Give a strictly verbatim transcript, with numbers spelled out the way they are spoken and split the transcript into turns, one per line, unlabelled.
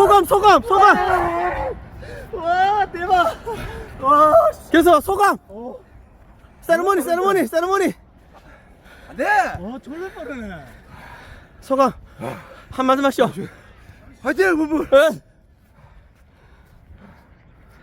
소감 소감 소감.
와 대박. 와.
계속 소감.
어.
세레모니 세레모니 세레모니.
네. 어 졸라 빠르네.
소감 한 마디 마시오.
화이팅 부부.
예.